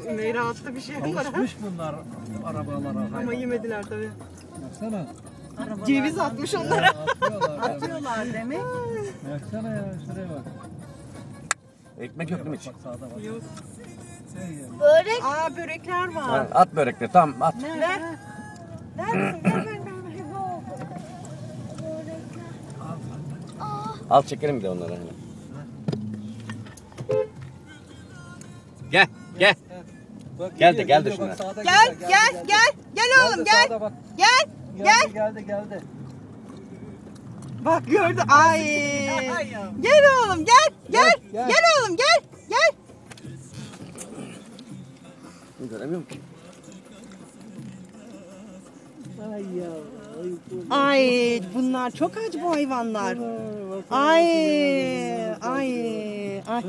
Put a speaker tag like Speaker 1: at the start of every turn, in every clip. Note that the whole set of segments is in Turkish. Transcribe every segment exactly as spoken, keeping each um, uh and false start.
Speaker 1: Ümeyra attı bir şey var.
Speaker 2: Alışmış bunlar arabalara.
Speaker 1: Ama yemediler tabii.
Speaker 2: Baksana.
Speaker 3: Arabalar.
Speaker 1: Ceviz atmış onlara.
Speaker 2: Atıyorlar.
Speaker 3: Atıyorlar demek.
Speaker 2: Baksana ya şuraya bak.
Speaker 4: Ekmek yok değil mi hiç?
Speaker 2: Bak sağda bak.
Speaker 1: Yok.
Speaker 2: Şey ya.
Speaker 3: Börek.
Speaker 1: Aa börekler var.
Speaker 4: Ha, at börekleri tamam at.
Speaker 3: Ver.
Speaker 1: Ver. Ver ver ver ver.
Speaker 4: Al çekelim bir de onları. Hani. Gel gel.
Speaker 2: Bak,
Speaker 4: Gel de,
Speaker 2: gidiyor,
Speaker 4: gel de
Speaker 2: gidiyor. Bak,
Speaker 4: şuna.
Speaker 2: sağda
Speaker 1: Gel
Speaker 2: gidiyor,
Speaker 1: gel
Speaker 2: geldi,
Speaker 1: gel. Gel oğlum
Speaker 2: geldi.
Speaker 1: gel.
Speaker 2: Sağda bak.
Speaker 1: Gel.
Speaker 2: Geldi geldi geldi.
Speaker 1: Bak gördü. Ay. Gel oğlum gel. Gel.
Speaker 2: Gel,
Speaker 1: Gel,
Speaker 2: gel.
Speaker 1: oğlum gel. Gel.
Speaker 4: Göremiyorum ki.
Speaker 2: Ay ya.
Speaker 1: Ay bunlar çok acı bu hayvanlar. Ay ay ay.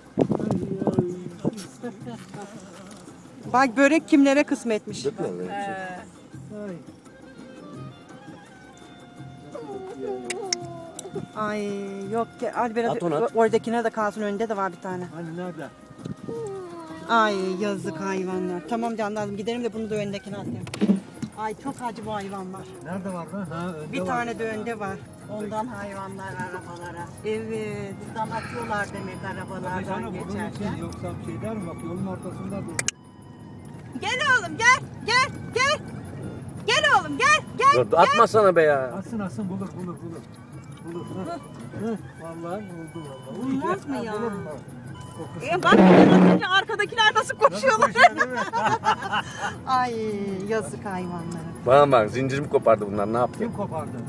Speaker 1: Bak börek kimlere kısmetmiş.
Speaker 4: Dökmüyor mu?
Speaker 2: Ay.
Speaker 1: Ay yok ki Albera
Speaker 4: At onu, at.
Speaker 1: oradakine de kalsın, önünde de var bir tane.
Speaker 2: Hani nerede?
Speaker 1: Ay yazık hayvanlar. Tamam canlarım gidelim de bunu da öndekine atayım. Ay çok acı bu hayvanlar.
Speaker 2: Nerede var lan? Ha, önde
Speaker 1: Bir
Speaker 2: var.
Speaker 1: tane de önde var.
Speaker 3: Ondan hayvanlar arabalara.
Speaker 1: Evet.
Speaker 3: Buradan atıyorlar demek
Speaker 2: Tabii
Speaker 3: arabalardan
Speaker 2: canım, bunun için
Speaker 3: geçerken.
Speaker 2: yoksa bir şey der mi? Bak yolun ortasında dur.
Speaker 1: Gel oğlum gel gel gel. Gel oğlum gel gel.
Speaker 4: Dur atmasana be ya.
Speaker 2: Asın asın bulur bulur bulur. Bulur. Hı. Hı. Vallahi buldu vallahi. Uy,
Speaker 1: Bulmaz mı
Speaker 2: ha,
Speaker 1: ya?
Speaker 2: bulur mu? Kokusu.
Speaker 1: E bak atınca arkadakiler nasıl koşuyorlar.
Speaker 2: Koşuyor değil mi?
Speaker 1: Ay yazık hayvanlara.
Speaker 4: Bana bak zincirimi kopardı bunlar ne yaptı?
Speaker 2: Kim kopardı?